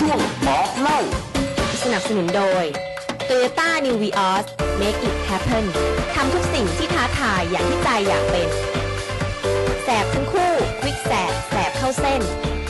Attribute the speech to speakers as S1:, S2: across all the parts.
S1: ช่วงบอกเล่า
S2: สนับสนุนโดย Toyota New Vios Make it happen ทำทุกสิ่งที่ท้าทายอย่างที่ใจอยากเป็นแสบทั้งคู่ควิกแสบเข้าเส้น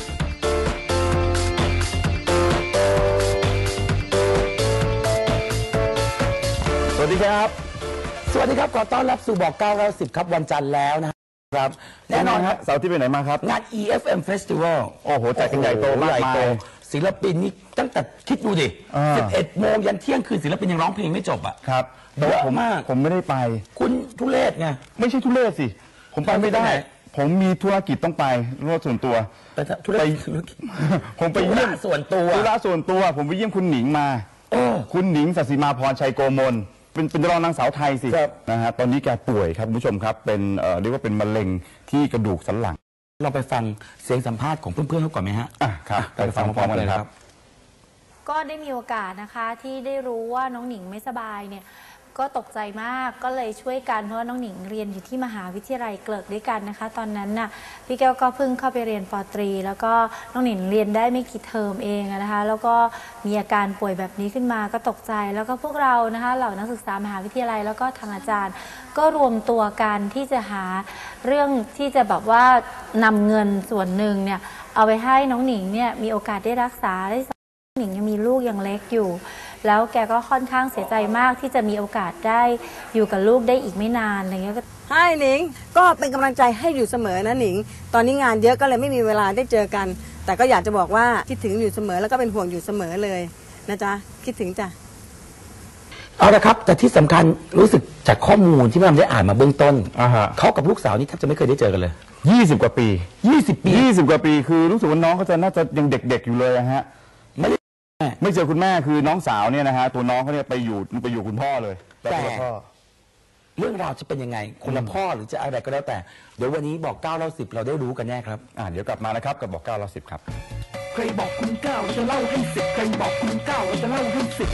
S1: สวัสดีครับขอต้อนรับสู่บอก910ครับวันจันทร์แล้วนะครับแน่นอนครับ
S3: เสาร์ที่ไปไหนมาครับ
S1: งาน EFM Festival
S3: โอ้โหจัดกันใหญ่โตมากมาย
S1: ศิลปินนี่ตั้งแต่คิดดูดิ11 โมงยันเที่ยงคืนศิลปินยังร้องเพลงไม่จบอ่ะ
S3: ครับ
S1: เยอะมาก
S3: ผมไม่ได้ไป
S1: คุณทุเรศไง
S3: ไม่ใช่ทุเรศสิผมไปไม่ได้ผมมีธุรกิจต้องไปธุระส่วนตัวผมไปเยี่ยม
S1: ส่วนตัว
S3: ธุระส่วนตัวผมไปเยี่ยมคุณหนิงมาคุณหนิงศศิมาพรชัยโกมลเป็นรองนางสาวไทยสินะฮะตอนนี้แกป่วยครับคุณผู้ชมครับเป็นเรียกว่าเป็นมะเร็งที่กระดูกสันหลัง
S1: เราไปฟังเสียงสัมภาษณ์ของเพื่อนๆเขาก่อนไหมฮะ
S3: ครับไปฟังพร้อมกันเลยครับ
S4: ก็ได้มีโอกาสนะคะที่ได้รู้ว่าน้องหนิงไม่สบายเนี่ยก็ตกใจมากก็เลยช่วยกันเพราะว่าน้องหนิงเรียนอยู่ที่มหาวิทยาลัยเกลิกด้วยกันนะคะตอนนั้นน่ะพี่แก้วก็เพิ่งเข้าไปเรียนป.ตรีแล้วก็น้องหนิงเรียนได้ไม่กี่เทอมเองนะคะแล้วก็มีอาการป่วยแบบนี้ขึ้นมาก็ตกใจแล้วก็พวกเรานะคะเหล่านักศึกษามหาวิทยาลัยแล้วก็ทางอาจารย์ก็รวมตัวกันที่จะหาเรื่องที่จะแบบว่านำเงินส่วนหนึ่งเนี่ยเอาไปให้น้องหนิงเนี่ยมีโอกาสได้รักษาได้หนิงยังมีลูกยังเล็กอยู่แล้วแกก็ค่อนข้างเสียใจมากที่จะมีโอกาสได้อยู่กับลูกได้อีกไม่นานอะไรเงี้ยก็
S5: ให้หนิงก็เป็นกำลังใจให้อยู่เสมอนะหนิงตอนนี้งานเยอะก็เลยไม่มีเวลาได้เจอกันแต่ก็อยากจะบอกว่าคิดถึงอยู่เสมอแล้วก็เป็นห่วงอยู่เสมอเลยนะจ๊ะคิดถึงจ้ะ
S1: เอาละครับแต่ที่สำคัญรู้สึกจากข้อมูลที่พี่ได้อ่านมาเบื้องต้นเขากับลูกสาวนี่แทบจะไม่เคยได้เจอกันเลย
S3: 20 กว่าปี20 กว่าปีคือรู้สึกว่าน้องเขาจะน่าจะยังเด็กๆอยู่เลยฮะไม่เจอคุณแม่คือน้องสาวเนี่ยนะฮะตัวน้องเขาเนี่ยไปอยู่คุณพ่อเลย
S1: แต่เรื่องราวจะเป็นยังไงคนละพ่อหรือจะอะไรก็แล้วแต่เดี๋ยววันนี้บอก9 เล่า 10เราได้รู้กันแน่ครับ
S3: เดี๋ยวกลับมานะครับกับบอก9 เล่า 10ครับ
S1: ใครบอกคุณ9เราจะเล่าให้10ใครบอกคุณ9เราจะเล่าให้10